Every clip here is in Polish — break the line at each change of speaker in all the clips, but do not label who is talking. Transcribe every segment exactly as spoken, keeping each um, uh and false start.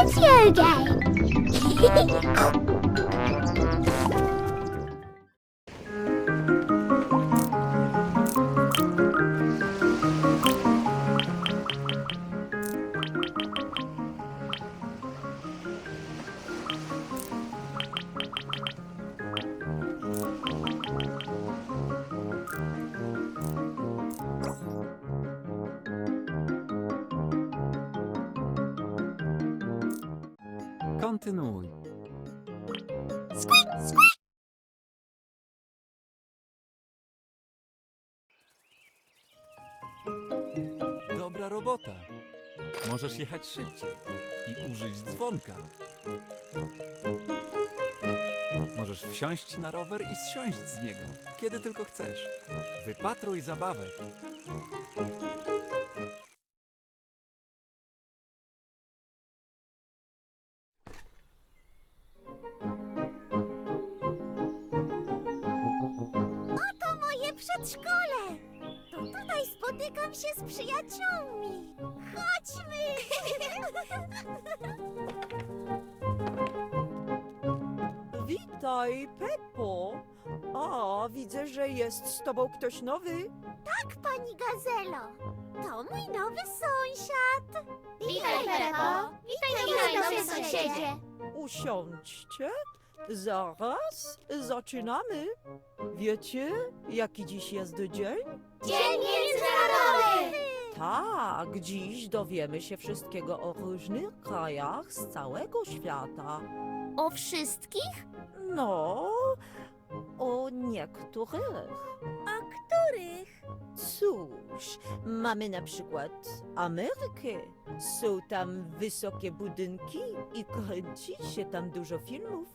video game.
Kontynuuj.
Squeak, squeak.
Dobra robota. Możesz jechać szybciej i użyć dzwonka. Możesz wsiąść na rower i zsiąść z niego, kiedy tylko chcesz. Wypatruj zabawek.
Oto moje przedszkole. To tutaj spotykam się z przyjaciółmi. Chodźmy.
Witaj, Peppo. A, widzę, że jest z tobą ktoś nowy.
Tak, pani Gazelo. To mój nowy sąsiad.
Witaj, Peppo. Witaj,
Witaj,
nowy
nowy
sąsiedzie.
Usiądźcie. Zaraz zaczynamy. Wiecie, jaki dziś jest dzień?
Dzień Międzynarodowy!
Tak, dziś dowiemy się wszystkiego o różnych krajach z całego świata.
O wszystkich?
No, o niektórych.
A których?
Cóż, mamy na przykład Amerykę. Są tam wysokie budynki i kręci się tam dużo filmów.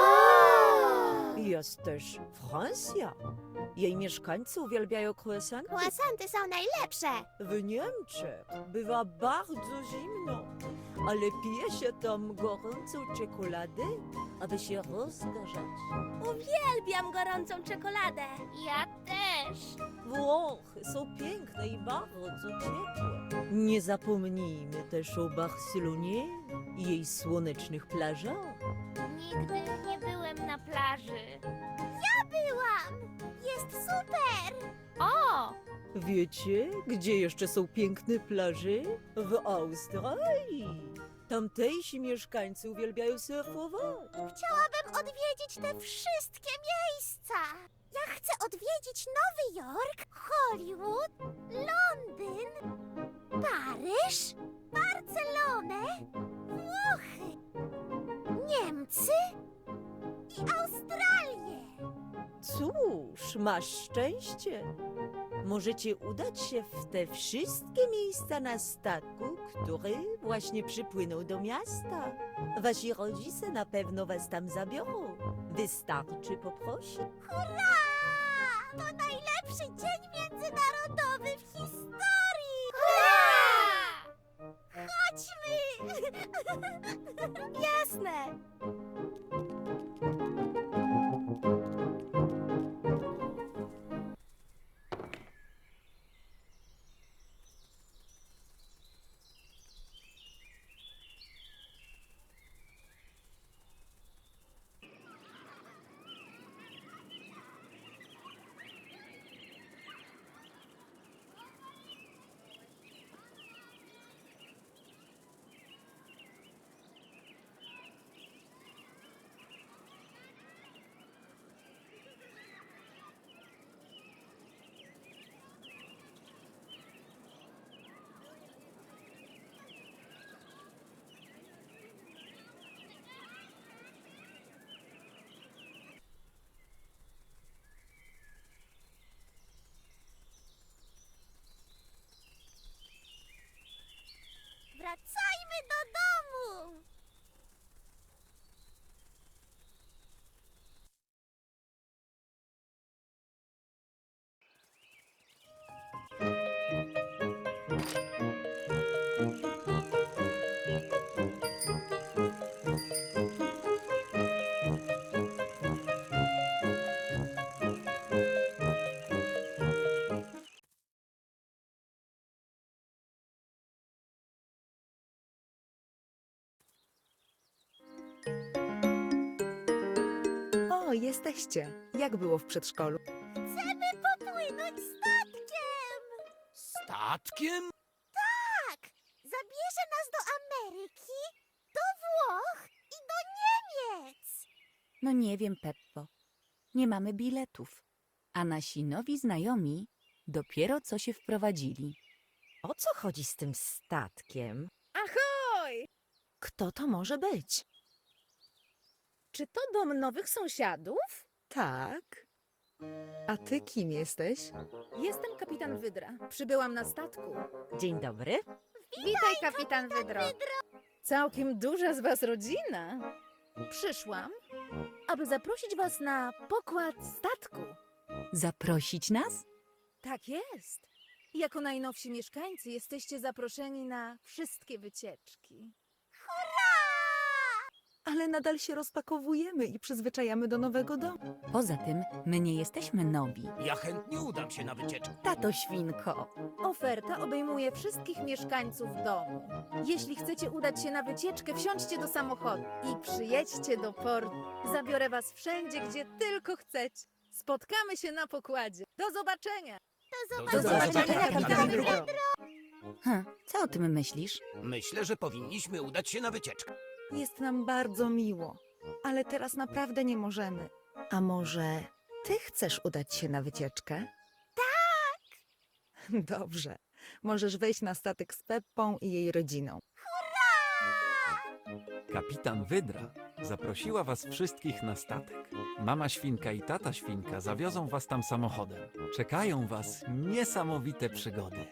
Jest też Francja. Jej mieszkańcy uwielbiają croissanty.
Croissanty są najlepsze.
W Niemczech bywa bardzo zimno, ale pije się tam gorącą czekoladę, aby się rozgrzać.
Uwielbiam gorącą czekoladę.
Ja też.
Włochy są piękne i bardzo ciepłe. Nie zapomnijmy też o Barcelonie i jej słonecznych plażach.
Nigdy nie byłem na plaży.
Ja byłam. Jest super.
O!
Wiecie, gdzie jeszcze są piękne plaże? W Australii. Tamtejsi mieszkańcy uwielbiają surfować.
Chciałabym odwiedzić te wszystkie miejsca. Ja chcę odwiedzić Nowy Jork, Hollywood, Londyn, Paryż, Barcelonę, Włochy, Niemcy i Australię.
Cóż, masz szczęście. Możecie udać się w te wszystkie miejsca na statku, który właśnie przypłynął do miasta. Wasi rodzice na pewno was tam zabiorą. Wystarczy poprosić.
Hurra! To najlepszy dzień międzynarodowy w historii!
Hurra!
Chodźmy! Jasne!
jesteście? Jak było w przedszkolu?
Chcemy popłynąć statkiem!
Statkiem?
Tak! Zabierze nas do Ameryki, do Włoch i do Niemiec!
No nie wiem, Peppo. Nie mamy biletów. A nasi nowi znajomi dopiero co się wprowadzili.
O co chodzi z tym statkiem?
Ahoj!
Kto to może być?
Czy to dom nowych sąsiadów?
Tak. A ty kim jesteś?
Jestem kapitan Wydra. Przybyłam na statku.
Dzień dobry.
Witaj, kapitan Wydro. Całkiem duża z was rodzina. Przyszłam, aby zaprosić was na pokład statku.
Zaprosić nas?
Tak jest. Jako najnowsi mieszkańcy jesteście zaproszeni na wszystkie wycieczki.
Ale nadal się rozpakowujemy i przyzwyczajamy do nowego domu.
Poza tym, my nie jesteśmy nowi.
Ja chętnie udam się na wycieczkę.
Tato świnko.
Oferta obejmuje wszystkich mieszkańców domu. Jeśli chcecie udać się na wycieczkę, wsiądźcie do samochodu i przyjedźcie do portu. Zabiorę was wszędzie, gdzie tylko chcecie. Spotkamy się na pokładzie. Do zobaczenia!
Do
zobaczenia, kapitan Wydro.
Hm, co o tym myślisz?
Myślę, że powinniśmy udać się na wycieczkę.
Jest nam bardzo miło, ale teraz naprawdę nie możemy. A może ty chcesz udać się na wycieczkę? Tak! Dobrze. Możesz wejść na statek z Peppą i jej rodziną.
Kapitan Wydra zaprosiła was wszystkich na statek. Mama świnka i tata świnka zawiozą was tam samochodem. Czekają was niesamowite przygody.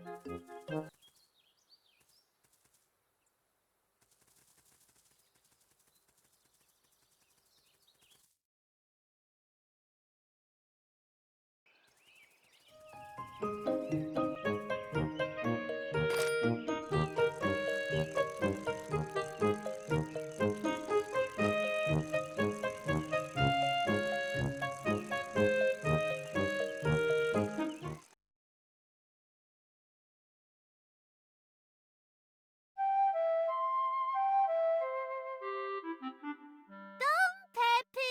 Pepy!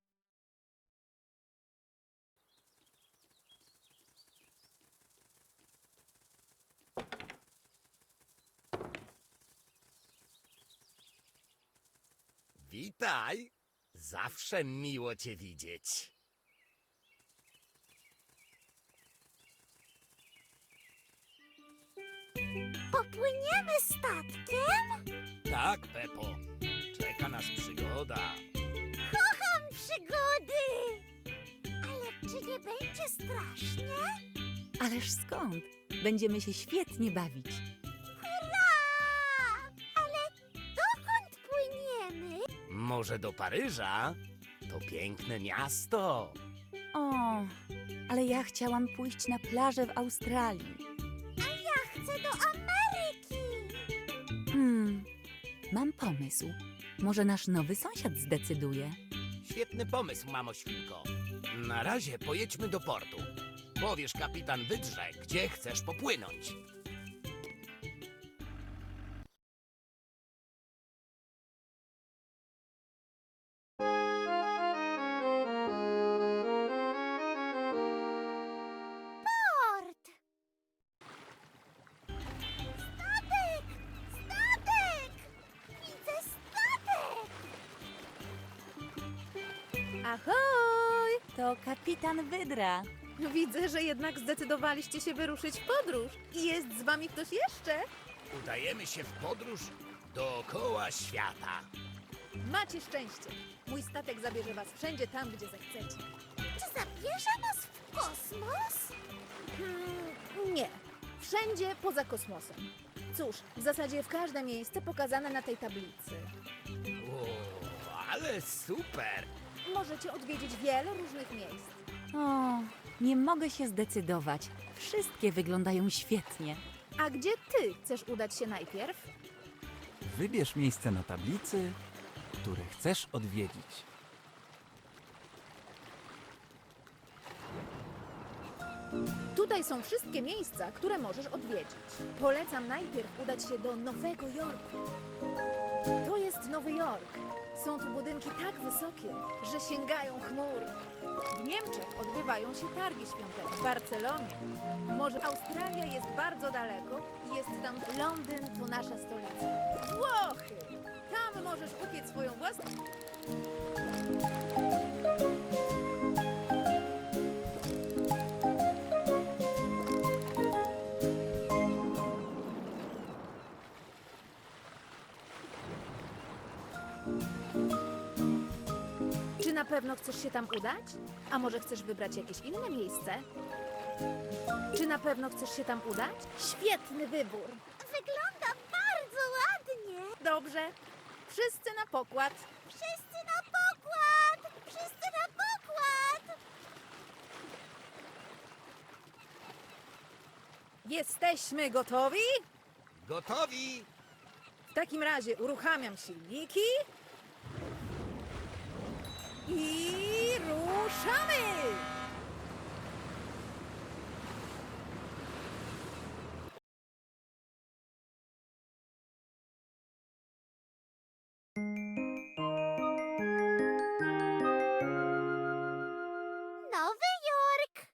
Witaj! Zawsze miło cię widzieć.
Popłyniemy statkiem?
Tak, Pepo. Czeka nas przygoda.
Kocham przygody! Ale czy nie będzie strasznie?
Ależ skąd? Będziemy się świetnie bawić.
Hurra! Ale dokąd płyniemy?
Może do Paryża? To piękne miasto.
O, ale ja chciałam pójść na plażę w Australii.
Ja chcę do Ameryki!
Hmm, mam pomysł. Może nasz nowy sąsiad zdecyduje.
Świetny pomysł, mamo świnko. Na razie pojedźmy do portu. Powiesz kapitan Wydrze, gdzie chcesz popłynąć.
Port! Statek! Statek! Widzę statek!
Ahoj!
To kapitan Wydra.
Widzę, że jednak zdecydowaliście się wyruszyć w podróż. I jest z wami ktoś jeszcze?
Udajemy się w podróż dookoła świata.
Macie szczęście. Mój statek zabierze was wszędzie tam, gdzie zechcecie.
Czy zabierze nas w kosmos?
Hmm, nie. Wszędzie poza kosmosem. Cóż, w zasadzie w każde miejsce pokazane na tej tablicy.
O, ale super!
Możecie odwiedzić wiele różnych miejsc.
O, nie mogę się zdecydować. Wszystkie wyglądają świetnie.
A gdzie ty chcesz udać się najpierw?
Wybierz miejsce na tablicy, które chcesz odwiedzić.
Tutaj są wszystkie miejsca, które możesz odwiedzić. Polecam najpierw udać się do Nowego Jorku. To jest jest Nowy Jork. Są tu budynki tak wysokie, że sięgają chmur. W Niemczech odbywają się targi świąteczne. W Barcelonie. Może Australia jest bardzo daleko i jest tam Londyn, to nasza stolica. Włochy! Tam możesz upiec swoją własną... Czy na pewno chcesz się tam udać? A może chcesz wybrać jakieś inne miejsce? Czy na pewno chcesz się tam udać? Świetny wybór!
Wygląda bardzo ładnie.
Dobrze. Wszyscy na pokład.
Wszyscy na pokład! Wszyscy na pokład!
Jesteśmy gotowi?
Gotowi?
W takim razie uruchamiam silniki. I ruszamy!
Nowy Jork!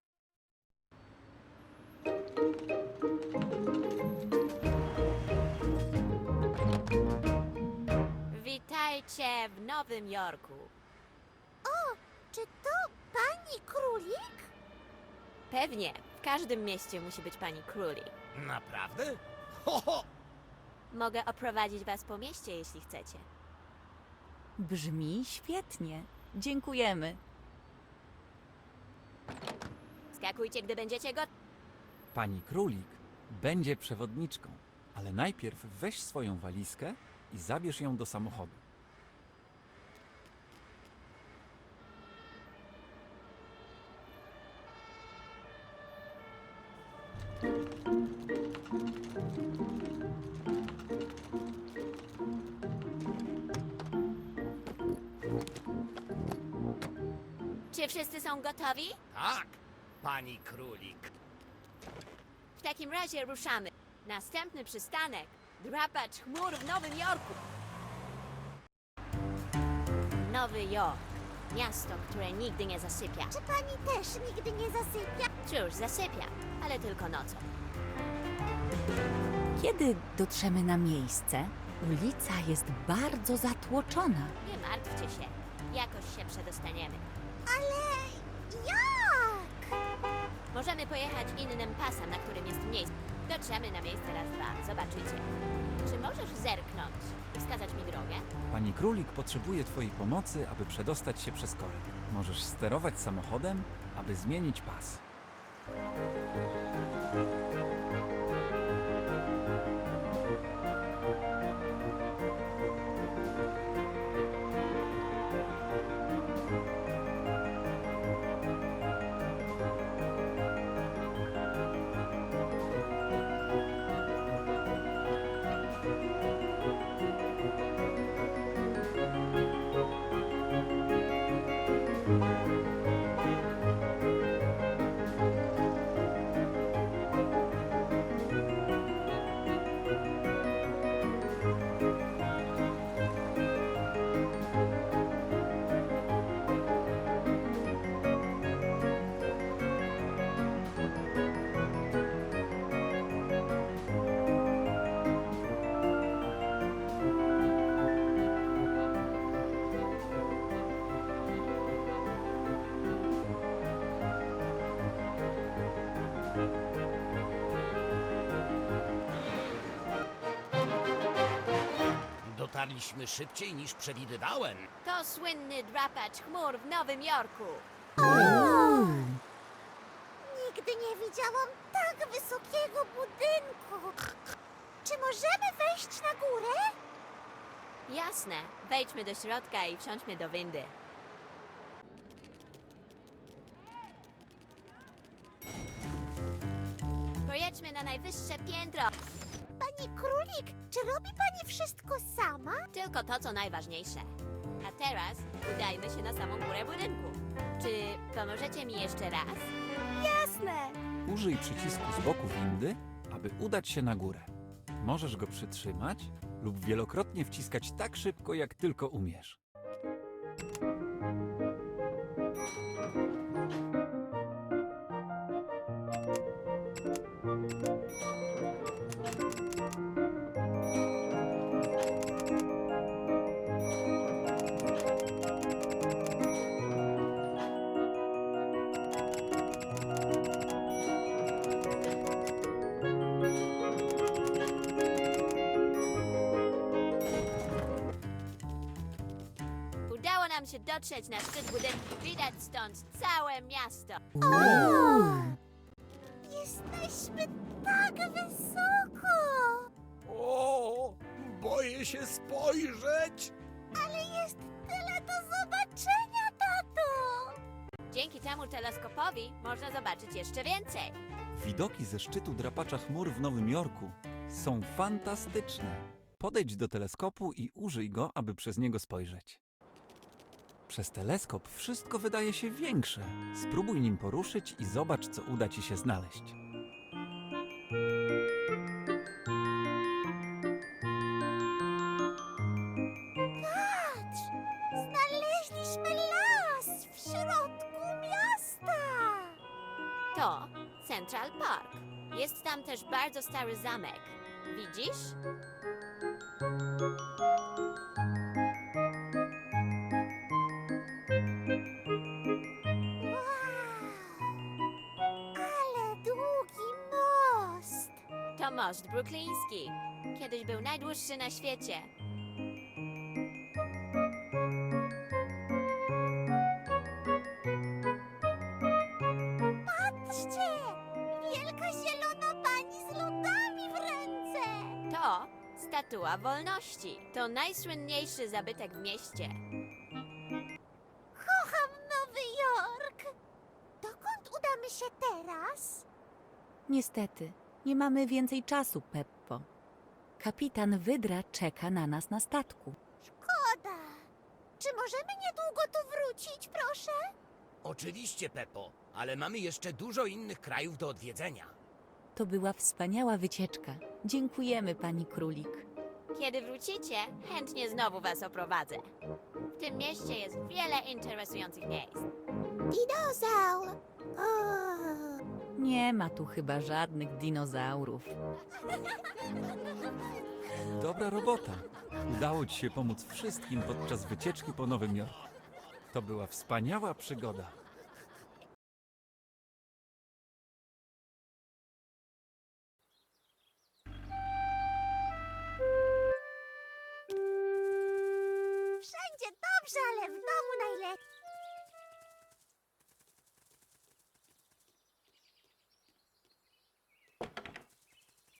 Witajcie w Nowym Jorku.
O, czy to pani królik?
Pewnie, w każdym mieście musi być pani królik.
Naprawdę? Ho, ho!
Mogę oprowadzić was po mieście, jeśli chcecie.
Brzmi świetnie. Dziękujemy.
Skakujcie, gdy będziecie gotowi.
Pani Królik będzie przewodniczką, ale najpierw weź swoją walizkę i zabierz ją do samochodu.
Czy wszyscy są gotowi?
Tak, pani królik.
W takim razie ruszamy. Następny przystanek. Drapacz chmur w Nowym Jorku. Nowy Jork. Miasto, które nigdy nie zasypia.
Czy pani też nigdy nie zasypia?
Cóż, zasypia, ale tylko nocą.
Kiedy dotrzemy na miejsce, ulica jest bardzo zatłoczona.
Nie martwcie się. Jakoś się przedostaniemy.
Ale jak?
Możemy pojechać innym pasem, na którym jest miejsce. Dotrzemy na miejsce raz, dwa. Zobaczycie. Czy możesz zerknąć i wskazać mi drogę?
Pani Królik potrzebuje Twojej pomocy, aby przedostać się przez korek. Możesz sterować samochodem, aby zmienić pas.
Dotarliśmy szybciej niż przewidywałem.
To słynny drapacz chmur w Nowym Jorku.
Nigdy nie widziałam tak wysokiego budynku. Czy możemy wejść na górę?
Jasne. Wejdźmy do środka i wsiądźmy do windy. Pojedźmy na najwyższe piętro.
Pani królik, czy robi pani wszystko sama?
Tylko to, co najważniejsze. A teraz udajmy się na samą górę budynku. Czy pomożecie mi jeszcze raz?
Jasne.
Użyj przycisku z boku windy, aby udać się na górę. Możesz go przytrzymać lub wielokrotnie wciskać tak szybko, jak tylko umiesz.
Udało nam się dotrzeć na szczyt budynku. Widać stąd całe miasto.
Jesteśmy tak wysoko!
O, boję się spojrzeć.
Ale jest tyle do zobaczenia, tato!
Dzięki temu teleskopowi można zobaczyć jeszcze więcej.
Widoki ze szczytu drapacza chmur w Nowym Jorku są fantastyczne. Podejdź do teleskopu i użyj go, aby przez niego spojrzeć. Przez teleskop wszystko wydaje się większe. Spróbuj nim poruszyć i zobacz, co uda ci się znaleźć.
Patrz! Znaleźliśmy las w środku miasta!
To Central Park. Jest tam też bardzo stary zamek. Widzisz?
Wow! Ale długi most!
To most brukliński. Kiedyś był najdłuższy na świecie.
Patrzcie! Wielka zielona pani z lodami w ręce!
To Statua Wolności. To najsłynniejszy zabytek w mieście.
Kocham Nowy Jork! Dokąd udamy się teraz?
Niestety, nie mamy więcej czasu, Peppo. Kapitan Wydra czeka na nas na statku.
Szkoda! Czy możemy niedługo tu wrócić, proszę?
Oczywiście, Pepo, ale mamy jeszcze dużo innych krajów do odwiedzenia.
To była wspaniała wycieczka. Dziękujemy, pani Królik.
Kiedy wrócicie, chętnie znowu was oprowadzę. W tym mieście jest wiele interesujących miejsc.
Dinozaur! O,
Nie ma tu chyba żadnych dinozaurów.
Dobra robota. Udało ci się pomóc wszystkim podczas wycieczki po Nowym Jorku. To była wspaniała przygoda.
wszędzie dobrze, ale w domu najlepiej.